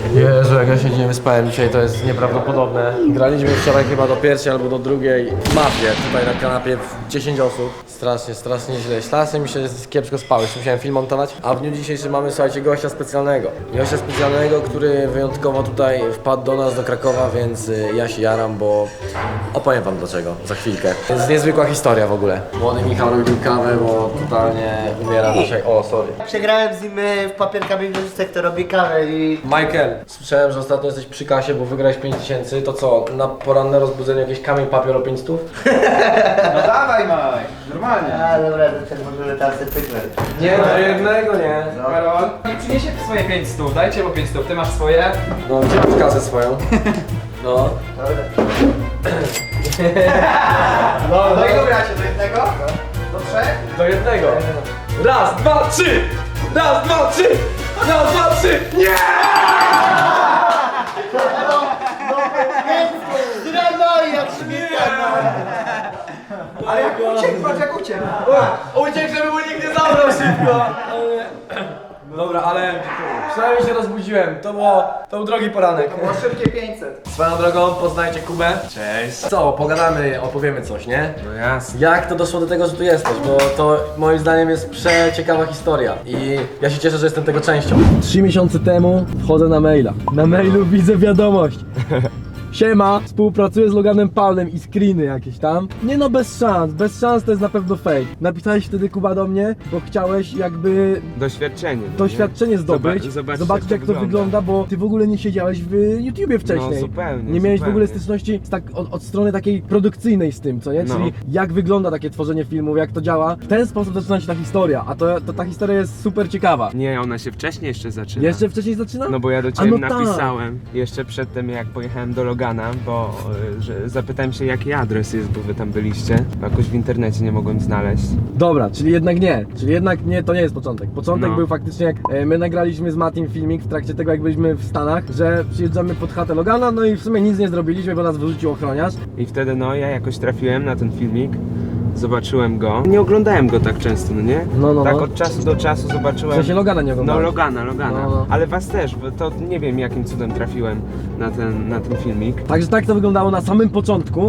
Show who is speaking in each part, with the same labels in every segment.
Speaker 1: Jezu, jak ja się nie wyspałem dzisiaj, to jest nieprawdopodobne. Graliśmy wczoraj chyba do pierwszej albo do drugiej mapie, tutaj na kanapie w 10 osób. Strasznie źle. Strasznie mi się kiepsko spało, jeszcze musiałem film montować. A w dniu dzisiejszym mamy, słuchajcie, gościa specjalnego. Gościa specjalnego, który wyjątkowo tutaj wpadł do nas, do Krakowa, więc ja się jaram, bo opowiem wam dlaczego za chwilkę. To jest niezwykła historia w ogóle. Młody Michał robił kawę, bo totalnie umiera dzisiaj. O, sorry.
Speaker 2: Przegrałem z nim w papier kamień nożyce, kto robi kawę i...
Speaker 1: Michael, słyszałem, że ostatnio jesteś przy kasie, bo wygrałeś 5000, to co, na poranne rozbudzenie jakiś kamień papier o 500?
Speaker 3: No dawaj Maj, normalnie.
Speaker 2: A dobra, to ten może tam sobie pyknę.
Speaker 1: Nie, do jednego nie.
Speaker 3: Karol, nie przyniesie swoje 500, dajcie mu 500, ty masz swoje.
Speaker 1: No, gdzie masz kasę swoją? No.
Speaker 2: Dobra.
Speaker 3: Do ilu gracie? Do jednego? Do trzech?
Speaker 1: Do jednego. Raz, dwa, trzy! Raz, dwa, trzy! Raz, dwa, trzy! Nie!
Speaker 2: Zdradaj, jak śmieta!
Speaker 3: Ale jak uciekł, patrz jak uciekł.
Speaker 1: Uciekł, żeby mu nikt nie zabrał szybko! Dobra, ale przynajmniej się rozbudziłem. To był drogi poranek.
Speaker 3: Było szybkie 500.
Speaker 1: Swoją drogą poznajcie Kubę. Cześć. Co, pogadamy, opowiemy coś, nie?
Speaker 4: No jasne.
Speaker 1: Jak to doszło do tego, że tu jesteś? Bo to moim zdaniem jest przeciekawa historia i ja się cieszę, że jestem tego częścią. 3 miesiące temu wchodzę na maila. Na mailu widzę wiadomość. Siema, współpracuję z Loganem Paulem i screeny jakieś tam. Nie no, bez szans to jest na pewno fake. Napisałeś wtedy, Kuba, do mnie, bo chciałeś jakby
Speaker 4: Doświadczenie. no
Speaker 1: doświadczenie zdobyć,
Speaker 4: zobaczyć
Speaker 1: jak to wygląda, bo ty w ogóle nie siedziałeś w YouTubie wcześniej.
Speaker 4: No zupełnie.
Speaker 1: Nie miałeś w ogóle
Speaker 4: zupełnie.
Speaker 1: styczności od strony takiej produkcyjnej z tym, co nie?
Speaker 4: No.
Speaker 1: Czyli jak wygląda takie tworzenie filmów, jak to działa. W ten sposób zaczyna się ta historia, a ta historia jest super ciekawa.
Speaker 4: Nie, ona się wcześniej jeszcze zaczyna.
Speaker 1: Jeszcze wcześniej zaczyna?
Speaker 4: No bo ja do
Speaker 1: A
Speaker 4: ciebie
Speaker 1: no tak.
Speaker 4: napisałem jeszcze przed tym jak pojechałem do Logana, bo że zapytałem się jaki adres jest, bo wy tam byliście. Jakoś w internecie nie mogłem znaleźć.
Speaker 1: Dobra, czyli jednak nie, to nie jest początek. Początek
Speaker 4: No.
Speaker 1: był faktycznie jak my nagraliśmy z Matim filmik w trakcie tego jak byliśmy w Stanach, że przyjeżdżamy pod chatę Logana, no i w sumie nic nie zrobiliśmy, bo nas wyrzucił ochroniarz.
Speaker 4: I wtedy no ja jakoś trafiłem na ten filmik. Zobaczyłem go. Nie oglądałem go tak często, no nie?
Speaker 1: No.
Speaker 4: Tak od czasu do czasu
Speaker 1: W
Speaker 4: zobaczyłem.
Speaker 1: sensie Logana nie
Speaker 4: No
Speaker 1: oglądałem.
Speaker 4: Logana.
Speaker 1: No.
Speaker 4: Ale was też, bo to nie wiem jakim cudem trafiłem na ten filmik.
Speaker 1: Także tak to wyglądało na samym początku.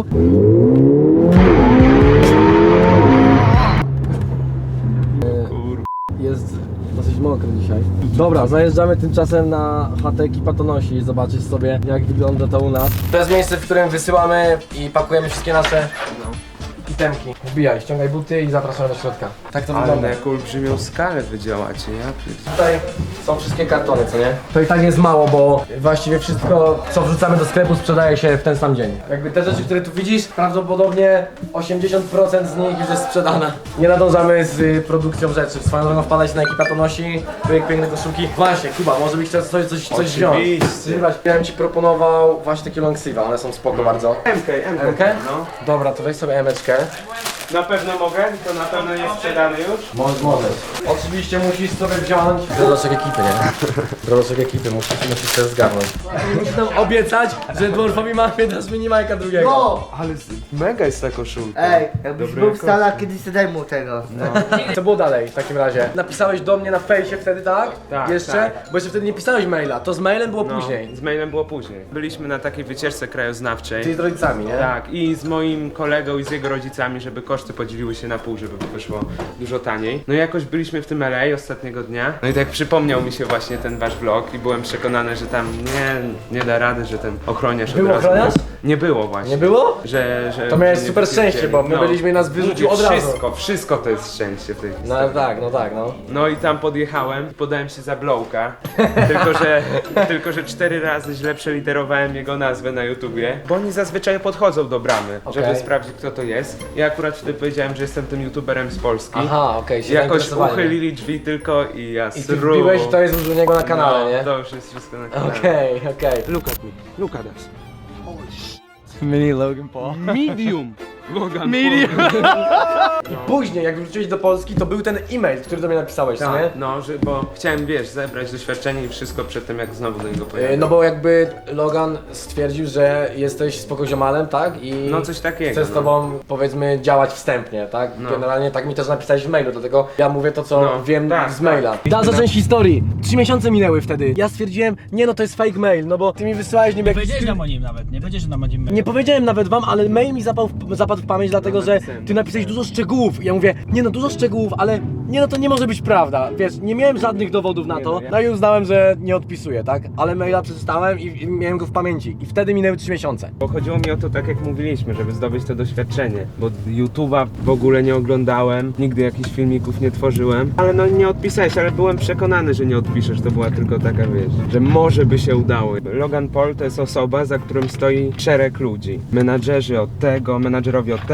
Speaker 1: Jest dosyć mokro dzisiaj. Dobra, zajeżdżamy tymczasem na chatę Ekipa to nosi i zobaczyć sobie jak wygląda to u nas. To jest miejsce, w którym wysyłamy i pakujemy wszystkie nasze itemki. Wbijaj, ściągaj buty i zapraszamy do środka. Tak to
Speaker 4: Ale
Speaker 1: wygląda.
Speaker 4: na jaką olbrzymią skalę wy działacie, ja pierdzielę.
Speaker 1: Tutaj są wszystkie kartony, co nie? To i tak jest mało, bo właściwie wszystko, co wrzucamy do sklepu, sprzedaje się w ten sam dzień. Jakby te rzeczy, które tu widzisz, prawdopodobnie 80% z nich już jest sprzedana. Nie nadążamy z produkcją rzeczy. Swoją drogą wpadać na Ekipa to nosi, piękne koszulki. Właśnie, Kuba, może byś chciał coś wziąć.
Speaker 4: Oczywiście.
Speaker 1: Ja bym ci proponował właśnie takie longsleeve, one są spoko bardzo. MK?
Speaker 4: No.
Speaker 1: Dobra, to weź sobie emeczkę.
Speaker 4: Na pewno mogę, to na pewno jest sprzedany już.
Speaker 1: Możesz. Oczywiście musisz sobie wziąć drodoczek ekipy, nie? Drodoczek ekipy, musisz też zgarnąć. Musisz nam obiecać, że Dwarfowi Mafie dasz minimajka drugiego.
Speaker 2: No!
Speaker 4: Ale mega jest ta koszulka.
Speaker 2: Ej, jakbyś
Speaker 4: Dobrej
Speaker 2: był w
Speaker 4: jakości.
Speaker 2: Stanach, kiedyś sobie daj mu tego.
Speaker 1: Co było dalej w takim razie? Napisałeś do mnie na fejsie wtedy, tak?
Speaker 4: Tak,
Speaker 1: Jeszcze?
Speaker 4: tak.
Speaker 1: Bo jeszcze wtedy nie pisałeś maila, to z mailem było
Speaker 4: No,
Speaker 1: później.
Speaker 4: z mailem było później. Byliśmy na takiej wycieczce krajoznawczej.
Speaker 1: Czyli z rodzicami, nie?
Speaker 4: Tak, i z moim kolegą i z jego rodzicami, żeby koszty podzieliły się na pół, żeby wyszło dużo taniej. No i jakoś byliśmy w tym LA ostatniego dnia. No i tak przypomniał mi się właśnie ten wasz vlog i byłem przekonany, że tam nie da rady, że ten ochroniarz
Speaker 1: Był
Speaker 4: od razu...
Speaker 1: ochroniarz?
Speaker 4: Nie było właśnie.
Speaker 1: Nie było?
Speaker 4: Że
Speaker 1: To miałeś
Speaker 4: nie
Speaker 1: super
Speaker 4: wypierdzieli.
Speaker 1: szczęście, bo my byliśmy i nas wyrzucił
Speaker 4: Mówię,
Speaker 1: od razu.
Speaker 4: Wszystko to jest szczęście w tej
Speaker 1: No
Speaker 4: historii.
Speaker 1: tak.
Speaker 4: No i tam podjechałem i podałem się za Blowka, tylko że 4 razy źle przeliterowałem jego nazwę na YouTubie, bo oni zazwyczaj podchodzą do bramy, żeby
Speaker 1: Okej.
Speaker 4: sprawdzić kto to jest. Ja akurat wtedy powiedziałem, że jestem tym YouTuberem z Polski.
Speaker 1: Aha, okej, się
Speaker 4: Jakoś
Speaker 1: zainteresowali.
Speaker 4: uchylili drzwi tylko i ja
Speaker 1: I ty
Speaker 4: sru.
Speaker 1: wbiłeś i to jest już u niego na kanale,
Speaker 4: No,
Speaker 1: nie?
Speaker 4: to już jest wszystko na kanale.
Speaker 1: Okej.
Speaker 4: Look at us.
Speaker 5: Mini Logan Paul.
Speaker 4: Medium! Logan
Speaker 5: Medium.
Speaker 4: Paul.
Speaker 1: I później, jak wróciłeś do Polski, to był ten e-mail, który do mnie napisałeś, co nie?
Speaker 4: Tak, no, bo chciałem, wiesz, zebrać doświadczenie i wszystko przed tym, jak znowu do niego pojechałem.
Speaker 1: No bo jakby Logan stwierdził, że jesteś spoko ziomalem, tak? I
Speaker 4: No coś takiego,
Speaker 1: chce z
Speaker 4: no.
Speaker 1: tobą, powiedzmy, działać wstępnie, tak?
Speaker 4: No.
Speaker 1: Generalnie tak mi też napisałeś w mailu, dlatego ja mówię to, co
Speaker 4: No,
Speaker 1: wiem
Speaker 4: tak,
Speaker 1: z maila.
Speaker 4: tak.
Speaker 1: Da zacząć historii. 3 miesiące minęły wtedy. Ja stwierdziłem, nie no, to jest fake mail, no bo ty mi wysyłałeś niby
Speaker 5: Nie
Speaker 1: jakiś...
Speaker 5: powiedziałeś nam o nim nawet, nie powiedziałeś nam o nim.
Speaker 1: Nie powiedziałem nawet wam, ale mail mi zapadł w pamięć, dlatego że
Speaker 4: napisałem.
Speaker 1: ty napisałeś dużo szczegółów. I ja mówię, nie no, dużo szczegółów, ale nie no, to nie może być prawda. Wiesz, nie miałem żadnych dowodów na
Speaker 4: Nie
Speaker 1: to,
Speaker 4: no, ja-
Speaker 1: no i uznałem, że nie odpisuję, tak? Ale maila przeczytałem i miałem go w pamięci. I wtedy minęły 3 miesiące.
Speaker 4: Bo chodziło mi o to, tak jak mówiliśmy, żeby zdobyć to doświadczenie. Bo YouTube'a w ogóle nie oglądałem, nigdy jakichś filmików nie tworzyłem. Ale no nie odpisałeś, ale byłem przekonany, że nie odpiszesz. To była tylko taka, wiesz, że może by się udało. Logan Paul to jest osoba, za którą stoi szereg ludzi. Menadżerzy od tego, menadżerowie od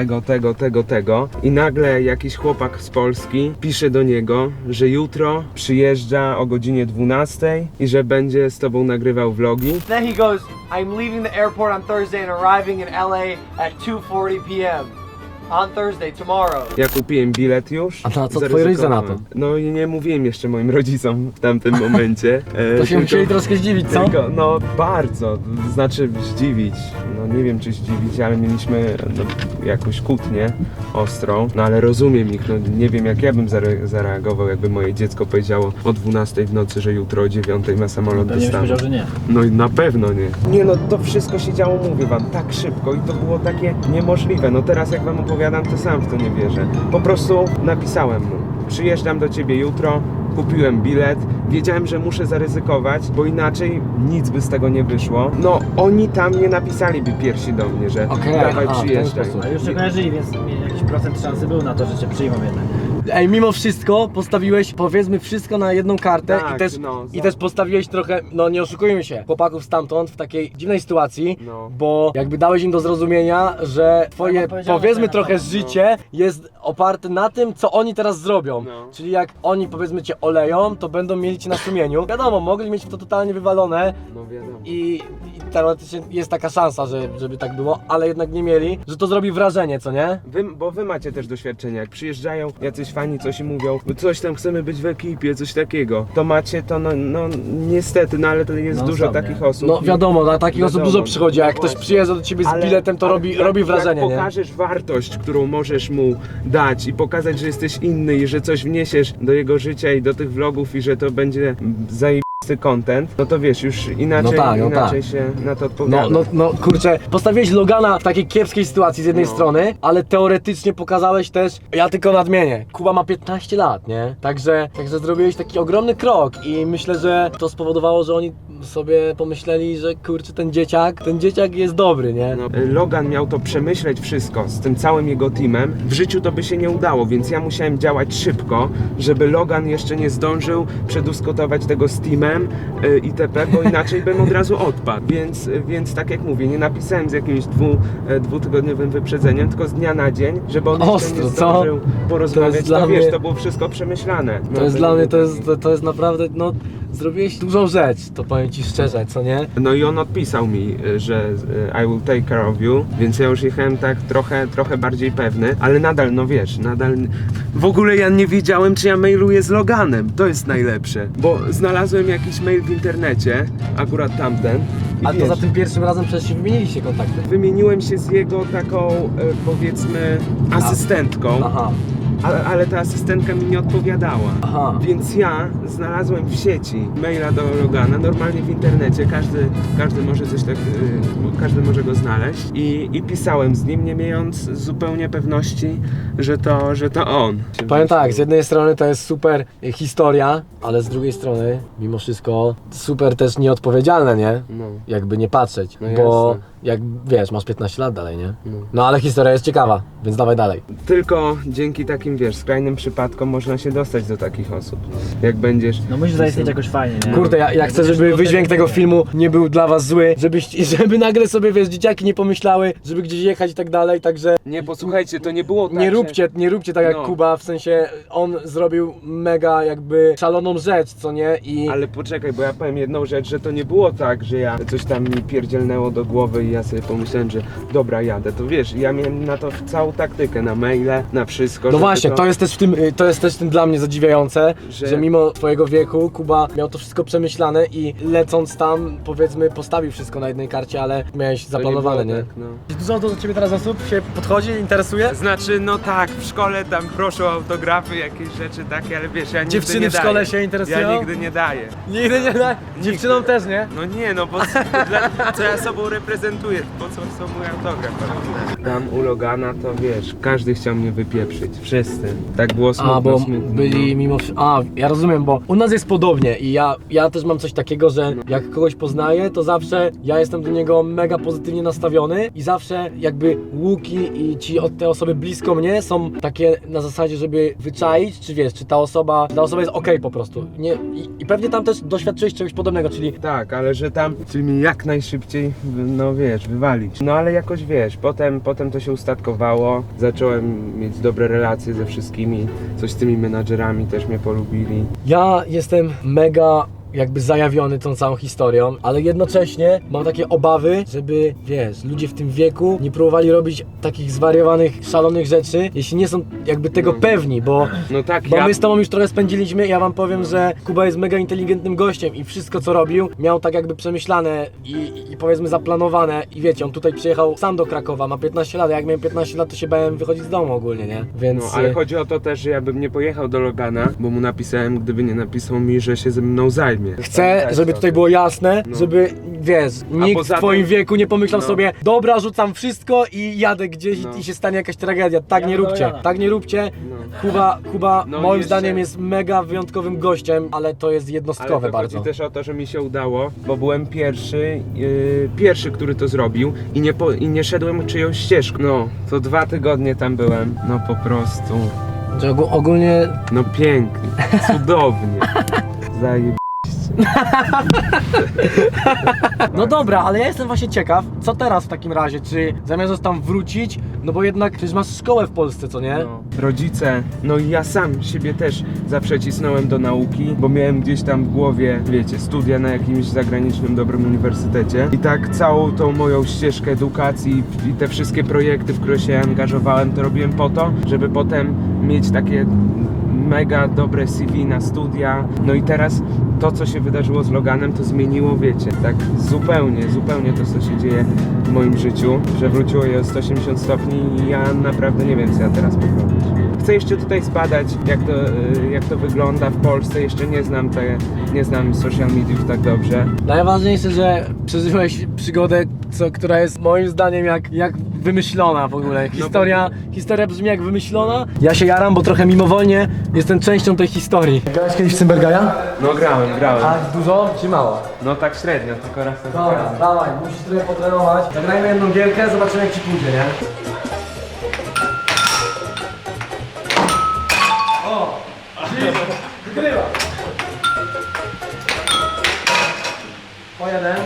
Speaker 4: tego. I nagle jakiś chłopak z Polski pisze do niego, że jutro przyjeżdża o godzinie 12 i że będzie z tobą nagrywał vlogi.
Speaker 1: Then he goes, I'm leaving the airport on Thursday and arriving in LA at 2:40 p.m. On Thursday, tomorrow.
Speaker 4: Ja kupiłem bilet już.
Speaker 1: A na co twoi rodzice na to?
Speaker 4: No i nie mówiłem jeszcze moim rodzicom w tamtym momencie.
Speaker 1: To się musieli troszkę zdziwić, co?
Speaker 4: Tylko, no bardzo, znaczy zdziwić. No nie wiem czy zdziwić, ale mieliśmy jakąś kłótnię ostrą. No ale rozumiem ich, no nie wiem jak ja bym zareagował, jakby moje dziecko powiedziało o 12 w nocy, że jutro o 9 ma samolot do
Speaker 5: Pewnie byś
Speaker 4: Stanów.
Speaker 5: powiedział, że nie.
Speaker 4: No i na pewno nie. Nie no, to wszystko się działo, mówię wam, tak szybko i to było takie niemożliwe. No teraz jak wam opowiadam, to sam w to nie wierzę. Po prostu napisałem mu, przyjeżdżam do ciebie jutro, kupiłem bilet, wiedziałem, że muszę zaryzykować, bo inaczej nic by z tego nie wyszło. No oni tam nie napisaliby pierwsi do mnie, że
Speaker 1: Okej,
Speaker 4: dawaj
Speaker 1: aha, w ten
Speaker 4: przyjeżdżaj.
Speaker 1: sposób.
Speaker 5: Ale już się kojarzyli, więc jakiś procent szansy był na to, że cię przyjmą jednak.
Speaker 1: Ej, mimo wszystko postawiłeś, powiedzmy, wszystko na jedną kartę
Speaker 4: Tak,
Speaker 1: i też postawiłeś trochę, no nie oszukujmy się, chłopaków stamtąd w takiej dziwnej sytuacji,
Speaker 4: No.
Speaker 1: bo jakby dałeś im do zrozumienia, że twoje,
Speaker 5: no, powiedziałem,
Speaker 1: powiedzmy,
Speaker 5: że na
Speaker 1: trochę
Speaker 5: pewno,
Speaker 1: życie jest oparte na tym, co oni teraz zrobią.
Speaker 4: No.
Speaker 1: Czyli jak oni, powiedzmy, cię oleją, to będą mieli cię na sumieniu. Wiadomo, mogli mieć to totalnie wywalone,
Speaker 4: No wiadomo.
Speaker 1: i teoretycznie jest taka szansa, żeby tak było, ale jednak nie mieli, że to zrobi wrażenie, co nie?
Speaker 4: Bo wy macie też doświadczenie, jak przyjeżdżają jacyś fani, coś i mówią, coś tam chcemy być w ekipie, coś takiego. To macie to, no niestety, no ale to jest
Speaker 5: No
Speaker 4: dużo
Speaker 5: sobie.
Speaker 4: takich osób.
Speaker 1: No wiadomo, na takich osób
Speaker 4: Wiadomo,
Speaker 1: dużo przychodzi, a jak
Speaker 4: no
Speaker 1: ktoś
Speaker 4: właśnie.
Speaker 1: przyjeżdża do ciebie z
Speaker 4: Ale-
Speaker 1: biletem, to
Speaker 4: ale
Speaker 1: robi
Speaker 4: jak
Speaker 1: wrażenie, nie?
Speaker 4: pokażesz wartość, którą możesz mu dać i pokazać, że jesteś inny i że coś wniesiesz do jego życia i do tych vlogów i że to będzie zajebisty content, no to wiesz, już inaczej,
Speaker 1: No tak, no
Speaker 4: inaczej
Speaker 1: tak.
Speaker 4: się na to odpowiada.
Speaker 1: No kurczę, postawiłeś Logana w takiej kiepskiej sytuacji z jednej
Speaker 4: No.
Speaker 1: strony, ale teoretycznie pokazałeś też, ja tylko nadmienię, Kuba ma 15 lat, nie? Także zrobiłeś taki ogromny krok i myślę, że to spowodowało, że oni sobie pomyśleli, że kurczę, ten dzieciak jest dobry, nie?
Speaker 4: No, Logan miał to przemyśleć wszystko z tym całym jego teamem. W życiu to by się nie udało, więc ja musiałem działać szybko, żeby Logan jeszcze nie zdążył przedyskutować tego z teamem itp., bo inaczej bym od razu odpadł. Więc tak jak mówię, nie napisałem z jakimś dwutygodniowym wyprzedzeniem, tylko z dnia na dzień, żeby on jeszcze
Speaker 1: Ostro,
Speaker 4: nie
Speaker 1: co?
Speaker 4: zdążył porozmawiać.
Speaker 1: To jest
Speaker 4: To
Speaker 1: dla
Speaker 4: wiesz,
Speaker 1: mnie-
Speaker 4: to było wszystko przemyślane.
Speaker 1: To jest dla mnie, to jest naprawdę, no, zrobiłeś dużą rzecz, to powiem ci szczerze, co nie?
Speaker 4: No i on odpisał mi, że I will take care of you, więc ja już jechałem tak trochę bardziej pewny, ale nadal, no wiesz, w ogóle ja nie wiedziałem, czy ja mailuję z Loganem, to jest najlepsze, bo znalazłem jakiś mail w internecie, akurat tamten, i
Speaker 1: A to
Speaker 4: wiesz,
Speaker 1: za tym pierwszym razem przecież się wymieniliście kontakty.
Speaker 4: wymieniłem się z jego taką, powiedzmy, asystentką,
Speaker 1: Aha.
Speaker 4: ale ta asystentka mi nie odpowiadała.
Speaker 1: Aha.
Speaker 4: Więc ja znalazłem w sieci maila do Logana, normalnie w internecie, każdy może coś tak, każdy może go znaleźć i pisałem z nim, nie mając zupełnie pewności, że to on.
Speaker 1: Powiem tak, z jednej strony to jest super historia, ale z drugiej strony, mimo wszystko, super też nieodpowiedzialne, nie?
Speaker 4: No.
Speaker 1: Jakby nie patrzeć,
Speaker 4: No
Speaker 1: bo
Speaker 4: jasne.
Speaker 1: jak wiesz, masz 15 lat dalej, nie? No ale historia jest ciekawa, więc dawaj dalej.
Speaker 4: Tylko dzięki takim, wiesz, skrajnym przypadkom można się dostać do takich osób. Jak będziesz...
Speaker 5: No musisz zaistnieć jakoś fajnie, nie?
Speaker 1: Kurde, ja chcę, żeby wydźwięk tego filmu nie był dla was zły, żeby nagle sobie, wiesz, dzieciaki nie pomyślały, żeby gdzieś jechać i tak dalej, także
Speaker 4: Nie, posłuchajcie, to nie było tak,
Speaker 1: nie róbcie tak jak
Speaker 4: No.
Speaker 1: Kuba, w sensie on zrobił mega jakby szaloną rzecz, co nie? I
Speaker 4: Ale poczekaj, bo ja powiem jedną rzecz, że to nie było tak, że ja coś tam mi pierdzielnęło do głowy i ja sobie pomyślałem, że dobra, jadę. To wiesz, ja miałem na to całą taktykę, na maile, na wszystko.
Speaker 1: No
Speaker 4: żeby
Speaker 1: właśnie, to jest też w tym dla mnie zadziwiające,
Speaker 4: Że-
Speaker 1: że mimo twojego wieku Kuba miał to wszystko przemyślane i lecąc tam, powiedzmy, postawił wszystko na jednej karcie, ale miałeś zaplanowane, nie?
Speaker 4: było tak, no.
Speaker 1: Dużo do ciebie teraz osób się podchodzi, interesuje?
Speaker 4: Znaczy, no tak, w szkole tam proszę o autografy, jakieś rzeczy takie, ale wiesz, ja nigdy
Speaker 1: Dziewczyny
Speaker 4: nie
Speaker 1: w szkole
Speaker 4: daję.
Speaker 1: się interesują?
Speaker 4: Ja nigdy nie daję.
Speaker 1: Nigdy nie da. Dziewczynom też, nie?
Speaker 4: No nie, no bo co ja sobą reprezentuję, po co są mój autograf? Tam u Logana to wiesz, każdy chciał mnie wypieprzyć, wszyscy. Tak było smutno.
Speaker 1: A, bo
Speaker 4: smutno,
Speaker 1: byli mimo... A, ja rozumiem, bo u nas jest podobnie i ja też mam coś takiego, że jak kogoś poznaję, to zawsze ja jestem do niego mega pozytywnie nastawiony i zawsze jakby łuki i te osoby blisko mnie są takie na zasadzie, żeby wyczaić, czy wiesz, czy ta osoba jest okej po prostu. Nie, i pewnie tam też doświadczyłeś czegoś podobnego, czyli
Speaker 4: Tak, ale że tam chcieli mnie jak najszybciej, no wiesz, wywalić. No ale jakoś wiesz, potem to się ustatkowało, zacząłem mieć dobre relacje ze wszystkimi, coś z tymi menadżerami też mnie polubili.
Speaker 1: ja jestem mega jakby zajawiony tą całą historią, ale jednocześnie mam takie obawy, żeby, wiesz, ludzie w tym wieku nie próbowali robić takich zwariowanych, szalonych rzeczy, jeśli nie są jakby tego pewni, bo
Speaker 4: No tak,
Speaker 1: my z tobą już trochę spędziliśmy, ja wam powiem, że Kuba jest mega inteligentnym gościem i wszystko co robił miał tak jakby przemyślane i powiedzmy zaplanowane i wiecie, on tutaj przyjechał sam do Krakowa, ma 15 lat, a jak miałem 15 lat to się bałem wychodzić z domu ogólnie, nie? Więc...
Speaker 4: No, ale chodzi o to też, że ja bym nie pojechał do Logana, bo mu napisałem, gdyby nie napisał mi, że się ze mną zajmie.
Speaker 1: Chcę, żeby tutaj było jasne,
Speaker 4: No.
Speaker 1: żeby, wiesz, nikt
Speaker 4: poza
Speaker 1: w twoim
Speaker 4: tym-
Speaker 1: wieku nie pomyślał
Speaker 4: No.
Speaker 1: sobie, dobra, rzucam wszystko i jadę gdzieś
Speaker 4: No.
Speaker 1: i się stanie jakaś tragedia. Tak nie róbcie, tak nie róbcie.
Speaker 4: No.
Speaker 1: Kuba
Speaker 4: No
Speaker 1: moim
Speaker 4: jeszcze-
Speaker 1: zdaniem jest mega wyjątkowym gościem, ale to jest
Speaker 4: Ale
Speaker 1: jednostkowe
Speaker 4: to
Speaker 1: bardzo.
Speaker 4: chodzi też o to, że mi się udało, bo byłem pierwszy, który to zrobił i nie szedłem czyjąś ścieżką. No, to 2 tygodnie tam byłem, no po prostu,
Speaker 1: Że ogólnie
Speaker 4: no pięknie, cudownie, zajebiście.
Speaker 1: no dobra, ale ja jestem właśnie ciekaw, co teraz w takim razie, czy zamierzasz tam wrócić, no bo jednak przecież masz szkołę w Polsce, co nie?
Speaker 4: No, rodzice, no i ja sam siebie też zawsze cisnąłem do nauki, bo miałem gdzieś tam w głowie, wiecie, studia na jakimś zagranicznym dobrym uniwersytecie i tak całą tą moją ścieżkę edukacji i te wszystkie projekty, w które się angażowałem, to robiłem po to, żeby potem mieć takie mega dobre CV na studia. No i teraz to, co się wydarzyło z Loganem, to zmieniło, wiecie, tak zupełnie to, co się dzieje w moim życiu, przewróciło je o 180 stopni i ja naprawdę nie wiem, co ja teraz poprawić. Chcę jeszcze tutaj zbadać, jak to wygląda w Polsce, jeszcze nie znam social mediów tak dobrze.
Speaker 1: Najważniejsze, że przeżyłeś przygodę, która jest moim zdaniem jak wymyślona w ogóle. Historia brzmi jak wymyślona. Ja się jaram, bo trochę mimowolnie jestem częścią tej historii. Grałeś kiedyś w Cymbergaja?
Speaker 4: No grałem.
Speaker 1: A dużo czy mało?
Speaker 4: No tak średnio, tylko raz na
Speaker 1: Dobra, dawaj, musisz trochę potrenować. Zagrajmy jedną gierkę, zobaczymy jak ci pójdzie, nie? O! Wygrywa! Po jeden.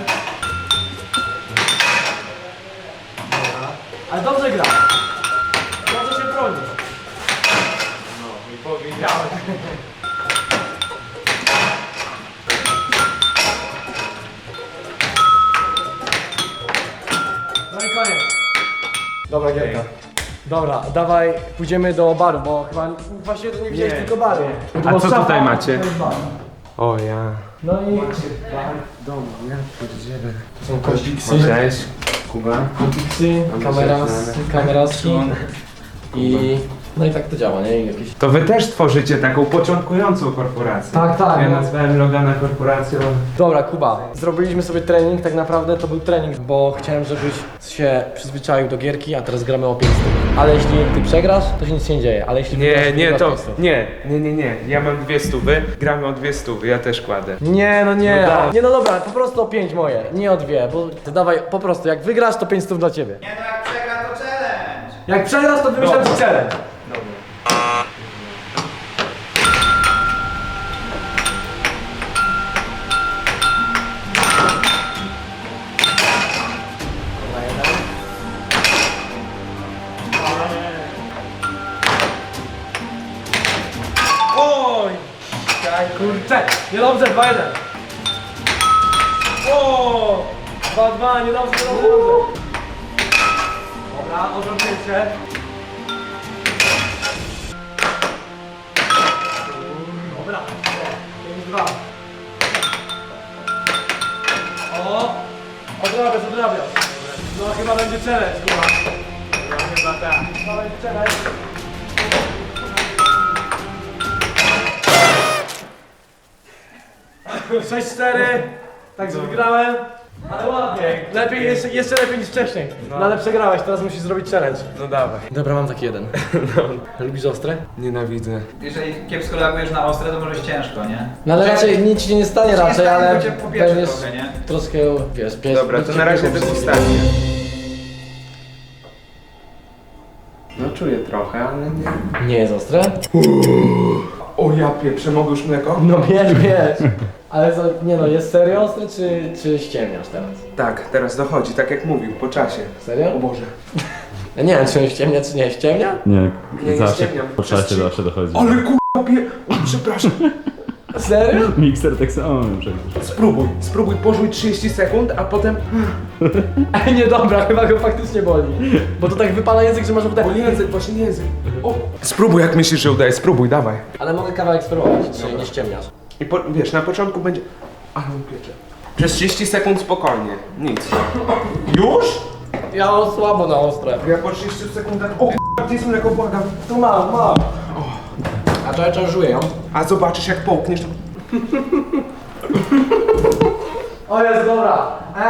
Speaker 1: Dobra. Ale dobrze gra. Dobrze się broni. No, i powiedziałem. No i koniec. Dobra gierka. Dobra, dawaj, pójdziemy do baru, bo chyba właśnie to nie widziałeś tylko baru.
Speaker 4: A co tutaj macie?
Speaker 1: To jest bar.
Speaker 4: O ja.
Speaker 1: No i
Speaker 4: W domu, ja pierdzielę.
Speaker 1: są kostiksy,
Speaker 4: Cześć, Kuba.
Speaker 1: kostiksy, kameraski i no i tak to działa, nie? I jakieś...
Speaker 4: To wy też tworzycie taką początkującą korporację.
Speaker 1: Tak.
Speaker 4: Ja
Speaker 1: No.
Speaker 4: nazwałem Logana korporacją.
Speaker 1: Dobra, Kuba, zrobiliśmy sobie trening, tak naprawdę to był trening, bo chciałem, żebyś się przyzwyczaił do gierki, a teraz gramy o 5 stów. Ale jeśli ty przegrasz, to się nic się nie dzieje, ale jeśli wygrasz,
Speaker 4: Nie,
Speaker 1: wygrasz
Speaker 4: to
Speaker 1: 5 stów.
Speaker 4: nie. Ja mam 200, gramy o 200, ja też kładę.
Speaker 1: Nie, no nie,
Speaker 4: No tak.
Speaker 1: nie no dobra, po prostu o 5 moje, nie o 2, bo ty dawaj po prostu, jak wygrasz to 5 stów dla ciebie.
Speaker 2: Nie no, jak przegra to challenge.
Speaker 1: Jak przegrasz to wymyślam ci challenge. Oj! Kurczę, niedobrze, 2-1. O! 2-2, niedobrze.
Speaker 3: Dobra, odwrócę. Dobra, 5-2. O! Odrabiasz. No chyba będzie challenge, chyba. No chyba tak. Chyba będzie challenge. 6-4. Także wygrałem. Ale ładnie. Lepiej, jeszcze lepiej niż wcześniej. No ale przegrałeś, teraz musisz zrobić challenge.
Speaker 4: No dawaj.
Speaker 1: Dobra, mam taki jeden. Lubisz ostre?
Speaker 4: Nienawidzę.
Speaker 3: Jeżeli kiepsko reagujesz na ostre, to może być ciężko, nie?
Speaker 1: No ale raczej nic ci nie stanie raczej, ale
Speaker 3: bo cię pobierze
Speaker 1: będziesz
Speaker 3: trochę, nie?
Speaker 1: troszkę, wiesz, pies.
Speaker 4: Dobra, to na razie degustacja. No czuję trochę, ale nie.
Speaker 1: Nie jest ostre?
Speaker 4: O ja pieprzę, mogę już mleko?
Speaker 1: No wiesz. Ale co, nie no, jest serio ostre, czy ściemniasz teraz?
Speaker 4: Tak, teraz dochodzi, tak jak mówił, po czasie.
Speaker 1: Serio?
Speaker 4: O Boże.
Speaker 1: Ja nie wiem, czy on ściemnia, czy nie ściemnia?
Speaker 6: Nie,
Speaker 4: Nie
Speaker 6: zawsze
Speaker 4: ściemniam.
Speaker 6: po czasie zawsze dochodzi.
Speaker 4: Ale kurwa o, przepraszam.
Speaker 1: Serio?
Speaker 6: Mikser tak samo przecież.
Speaker 4: Spróbuj, pożuj 30 sekund, a potem...
Speaker 1: Nie, dobra, chyba go faktycznie boli. Bo to tak wypala język, że masz
Speaker 4: O
Speaker 1: potem...
Speaker 4: język, właśnie język. O. Spróbuj jak myślisz, że udaje, spróbuj, dawaj.
Speaker 1: Ale mogę kawałek spróbować, czy nie ściemniasz.
Speaker 4: I wiesz, na początku będzie... Ale on piecze. Przez 30 sekund spokojnie, nic. Już?
Speaker 1: Ja mam słabo na ostre.
Speaker 4: Ja po 30 sekundach... O k***a, gdzie jest mleko, błagam.
Speaker 1: Tu mam. A to ja czarżuję ją.
Speaker 4: A zobaczysz jak połkniesz, to...
Speaker 1: O jest, dobra.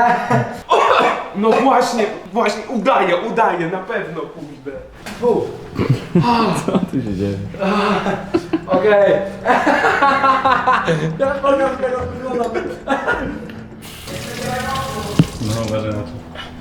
Speaker 4: No właśnie, udaje, na pewno, kurde.
Speaker 6: Co tu się dzieje?
Speaker 1: Okej. Ja powiem, tego wygląda.
Speaker 6: No uważaj na to.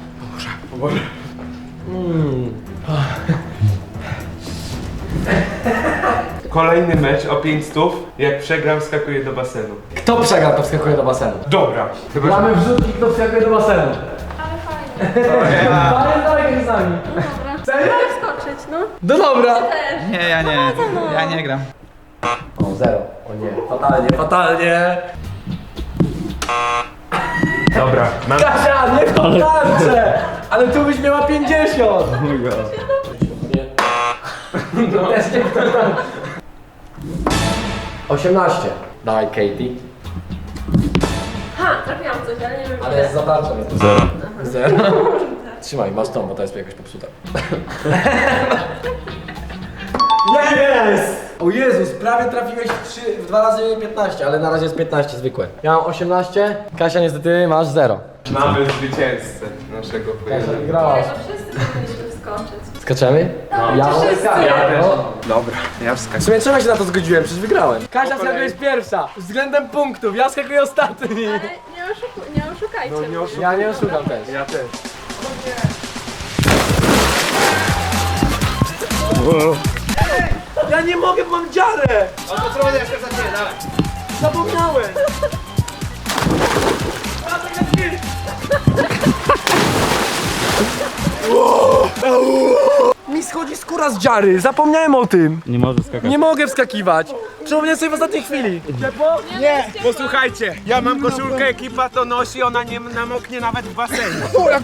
Speaker 4: Kolejny mecz o 500, jak przegram, skakuję do basenu.
Speaker 1: Kto przegra, to wskakuje do basenu.
Speaker 4: Dobra. Chyba, że...
Speaker 1: Gramy wrzutki, kto wskakuje do basenu.
Speaker 7: Ale fajnie.
Speaker 1: Panie dalej z nami.
Speaker 7: Dobra.
Speaker 1: Serio?
Speaker 7: Skoczyć, no.
Speaker 1: No dobra.
Speaker 3: Nie, ja nie gram.
Speaker 1: O, 0. O nie, fatalnie.
Speaker 4: Dobra, mam...
Speaker 1: Kasia, nie w tą tarczę! Ale tu byś miała 50!
Speaker 6: Oh my god.
Speaker 1: No też nie w tą tarczę. 18. Dawaj, Katie.
Speaker 7: Ha, trafiłam coś, ale nie wiem
Speaker 1: Ale jest za tarczą. Jest.
Speaker 6: 0.
Speaker 1: 0. Trzymaj, masz tą, bo ta jest jakoś popsuta. Jest! O Jezus, prawie trafiłeś w 2 razy 15, ale na razie jest 15 zwykłe. Ja mam 18, Kasia niestety masz 0.
Speaker 4: Mamy zwycięzcę naszego
Speaker 1: Kasia
Speaker 4: pojedynku.
Speaker 1: wygrałaś.
Speaker 7: No wszyscy powinniśmy wskoczyć.
Speaker 1: Skaczemy? Ja
Speaker 7: wszyscy.
Speaker 4: Dobra, ja
Speaker 1: W
Speaker 4: wskakuję.
Speaker 1: sumie czemu się na to zgodziłem? Przecież wygrałem. Kasia skakuje pierwsza, względem punktów, ja skakuję ostatni.
Speaker 7: Ale nie oszukajcie.
Speaker 4: No nie oszukuj.
Speaker 1: Ja nie oszukam też.
Speaker 4: Ja też.
Speaker 1: Ja nie mogę, mam dziarę!
Speaker 3: O, to co będę jeszcze za ciebie, dawaj.
Speaker 1: Zapomniałem! Mi schodzi skóra z dziary, zapomniałem o tym!
Speaker 6: Nie może skakać.
Speaker 1: Nie mogę wskakiwać! Przypomniałem sobie w ostatniej chwili! Ciepło?
Speaker 4: Posłuchajcie, ja mam koszulkę, ekipa to nosi, ona nie namoknie nawet w basenie.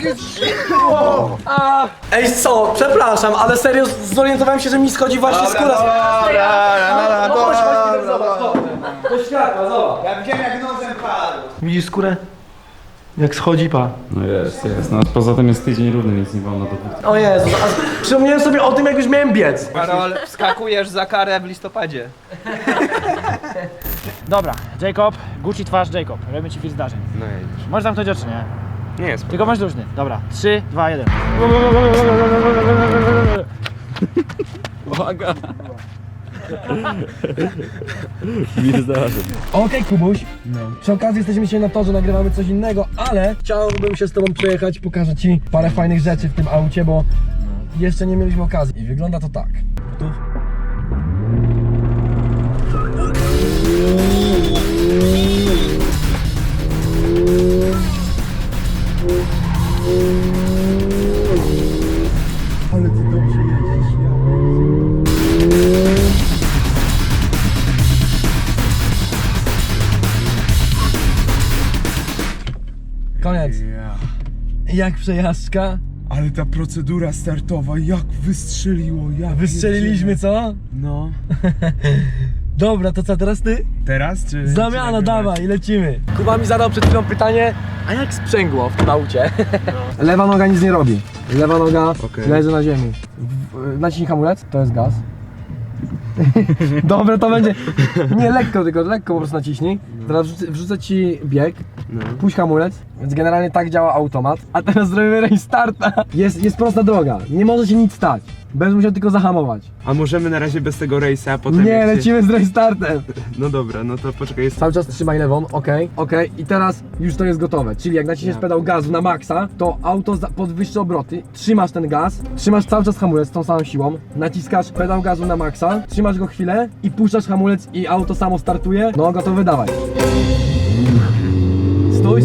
Speaker 1: Ej co, przepraszam, ale serio zorientowałem się, że mi schodzi właśnie skóra z... No chodź, Peter, zobacz, chodź. Do światła, zobacz.
Speaker 3: Ja widziałem jak nosem padł.
Speaker 1: Widzisz skórę? Jak schodzi, pa.
Speaker 6: No jest. No poza tym jest tydzień równy, więc nie wolno do...
Speaker 1: O Jezu, a przypomniałem sobie o tym, jak już miałem biec.
Speaker 3: Karol, wskakujesz za karę w listopadzie.
Speaker 5: Dobra, Jacob, Gucci twarz Jacob. Robimy ci film zdarzeń.
Speaker 4: No jedziesz.
Speaker 5: Możesz zamknąć oczy, nie?
Speaker 4: Nie jest.
Speaker 5: Tylko masz luźny. Dobra, 3, 2, 1.
Speaker 6: Uwaga! Nie zdarzy.
Speaker 1: Okej, Kubuś. Przy okazji jesteśmy dzisiaj na torze, nagrywamy coś innego, ale chciałbym się z tobą przejechać, pokażę ci parę fajnych rzeczy w tym aucie, bo jeszcze nie mieliśmy okazji. I wygląda to tak. Gotów? Ale ty dobrze jedziesz, Koniec. Jak przejażdżka?
Speaker 4: Ale ta procedura startowa, jak wystrzeliło, jak
Speaker 3: Wystrzeliliśmy, co?
Speaker 4: No.
Speaker 3: Dobra, to co, teraz ty?
Speaker 4: Teraz czy...
Speaker 3: Zamiana,
Speaker 4: czy
Speaker 3: dawaj, lecimy. Kuba mi zadał przed chwilą pytanie, a jak sprzęgło w tym aucie? Lewa noga nic nie robi. Lewa noga
Speaker 4: Okej.
Speaker 3: leży na ziemi. Naciśnij hamulec, to jest gaz. Dobra, to będzie... Nie, lekko tylko, lekko po prostu naciśnij. Teraz wrzucę ci bieg, puść hamulec, więc generalnie tak działa automat. A teraz zrobimy restarta. Jest prosta droga, nie może się nic stać. Będziesz musiał tylko zahamować.
Speaker 4: A możemy na razie bez tego rejsa, a potem
Speaker 3: Nie,
Speaker 4: jak się...
Speaker 3: lecimy z restartem.
Speaker 4: No dobra, no to poczekaj, jest...
Speaker 3: Cały czas trzymaj lewą, okej. I teraz już to jest gotowe. Czyli jak naciśniesz pedał gazu na maksa, to auto podwyższy obroty, trzymasz ten gaz, trzymasz cały czas hamulec z tą samą siłą, naciskasz pedał gazu na maksa, trzymasz go chwilę i puszczasz hamulec i auto samo startuje. No gotowe, dawaj. Stój.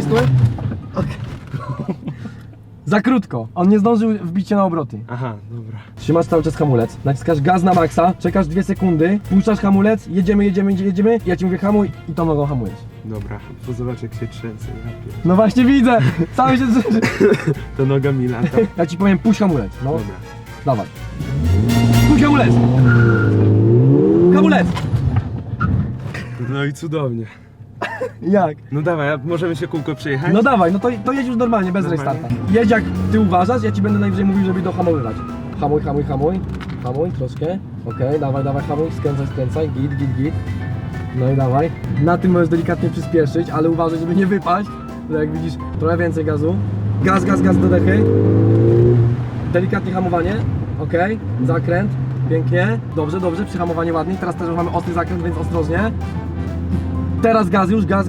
Speaker 3: Za krótko, on nie zdążył wbić się na obroty.
Speaker 4: Aha, dobra.
Speaker 3: Trzymasz cały czas hamulec, naciskasz gaz na maksa, czekasz 2 sekundy, puszczasz hamulec, jedziemy, ja ci mówię hamuj i tą nogą hamujesz.
Speaker 4: Dobra, bo zobacz jak się trzęsę. Ja
Speaker 3: No właśnie widzę, cały się trzęsie.
Speaker 4: to noga mi lata.
Speaker 3: Ja ci powiem, puść hamulec, no.
Speaker 4: Dobra.
Speaker 3: Dawaj. Puść hamulec! Hamulec!
Speaker 4: No i cudownie.
Speaker 3: Jak?
Speaker 4: No dawaj, a możemy się kółko przejechać?
Speaker 3: No dawaj, no to jedź już normalnie, bez
Speaker 4: Normalnie?
Speaker 3: restarta. Jedź jak ty uważasz, ja ci będę najwyżej mówił, żeby dohamowywać. Hamuj. Hamuj troszkę. Okej, dawaj, hamuj, skręcaj, git. No i dawaj. Na tym możesz delikatnie przyspieszyć, ale uważaj, żeby nie wypaść. Bo jak widzisz, trochę więcej gazu. Gaz do dechy. Delikatnie hamowanie. Okej, zakręt. Pięknie. Dobrze, przyhamowanie ładnie. Teraz też już mamy ostry zakręt, więc ostrożnie. Teraz gaz już, gaz.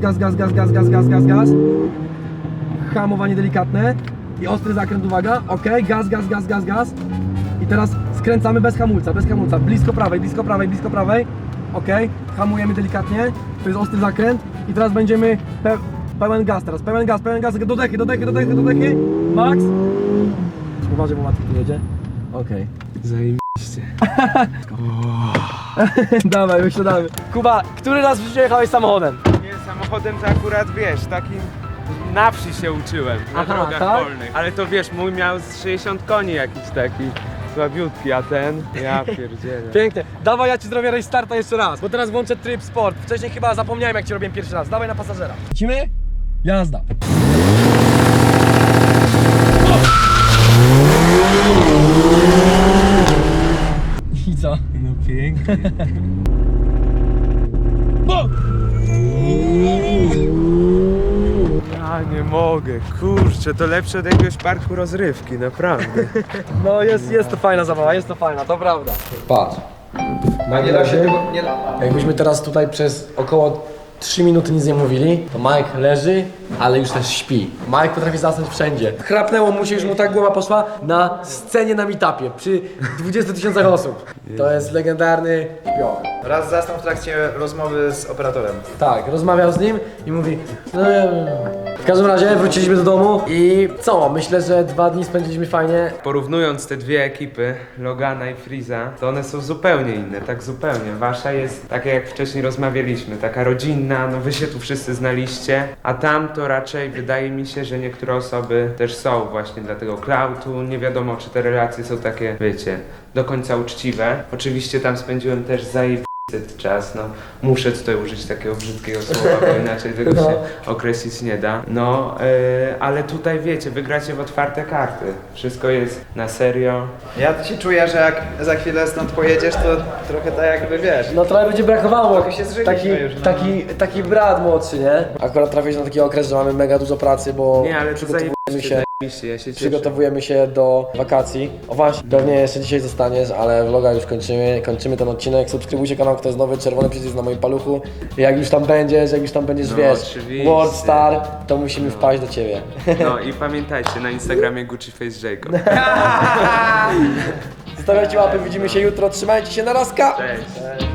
Speaker 3: Hamowanie delikatne i ostry zakręt, uwaga. Okej, gaz. I teraz skręcamy bez hamulca. Blisko prawej. Okej, hamujemy delikatnie. To jest ostry zakręt i teraz będziemy pełen gaz do dechy. Max. Uważaj, bo Maciek tu jedzie. Okej.
Speaker 4: Zajebiście.
Speaker 3: Dawaj, wysiadamy. Kuba, który raz w życiu jechałeś samochodem?
Speaker 4: Nie, samochodem to akurat wiesz, taki na wsi się uczyłem, na
Speaker 3: Aha,
Speaker 4: drogach
Speaker 3: tak?
Speaker 4: polnych. Ale to wiesz, mój miał z 60 koni jakiś taki słabiutki, a ten, ja pierdzielę.
Speaker 3: Pięknie. Dawaj, ja ci zrobię restarta jeszcze raz, bo teraz włączę tryb sport. Wcześniej chyba zapomniałem, jak ci robiłem pierwszy raz. Dawaj na pasażera. Lecimy? Jazda. I co?
Speaker 4: No pięknie. Ja nie mogę, kurczę, to lepsze od jakiegoś parku rozrywki, naprawdę.
Speaker 3: No jest to fajna zabawa, to prawda. Patrz.
Speaker 2: Nie da się tego, nie da.
Speaker 1: Jakbyśmy teraz tutaj przez około 3 minuty nic nie mówili, to Mike leży, ale już też śpi. Mike potrafi zasnąć wszędzie. Chrapnęło mu się, już mu tak głowa poszła na scenie na meetupie przy 20 000 osób. To jest legendarny śpioch.
Speaker 8: Raz zasnął w trakcie rozmowy z operatorem.
Speaker 1: Tak, rozmawiał z nim i mówi w każdym razie wróciliśmy do domu i co? Myślę, że 2 dni spędziliśmy fajnie.
Speaker 4: Porównując te dwie ekipy, Logana i Freeza, to one są zupełnie inne, tak zupełnie. Wasza jest taka jak wcześniej rozmawialiśmy, taka rodzinna, no wy się tu wszyscy znaliście, a tam to raczej wydaje mi się, że niektóre osoby też są właśnie dla tego klautu, nie wiadomo czy te relacje są takie, wiecie, do końca uczciwe. Oczywiście tam spędziłem też zajebisty czas, no muszę tutaj użyć takiego brzydkiego słowa, bo inaczej tego się określić nie da. No, ale tutaj wiecie, wygracie w otwarte karty. Wszystko jest na serio.
Speaker 8: Ja się czuję, że jak za chwilę stąd pojedziesz, to trochę tak jakby wiesz.
Speaker 1: No trochę będzie brakowało,
Speaker 8: Trochę się zżyliśmy już, no.
Speaker 1: taki brat młodszy, nie? Akurat trafiłeś na taki okres, że mamy mega dużo pracy, bo
Speaker 4: Nie, ale to
Speaker 1: przygotowujemy się,
Speaker 4: zajebiście, ja się cieszę.
Speaker 1: przygotowujemy się do wakacji. O właśnie, pewnie jeszcze dzisiaj zostaniesz, ale vloga już kończymy ten odcinek. Subskrybujcie kanał, kto jest nowy, czerwony przycisk na moim paluchu. Jak już tam będziesz,
Speaker 4: No,
Speaker 1: wiesz,
Speaker 4: oczywiście.
Speaker 1: World Star, to musimy wpaść do ciebie.
Speaker 4: No i pamiętajcie, na Instagramie Gucci Face Jacob.
Speaker 1: Zostawiajcie łapy, widzimy się jutro, trzymajcie się, na razka!
Speaker 4: Cześć.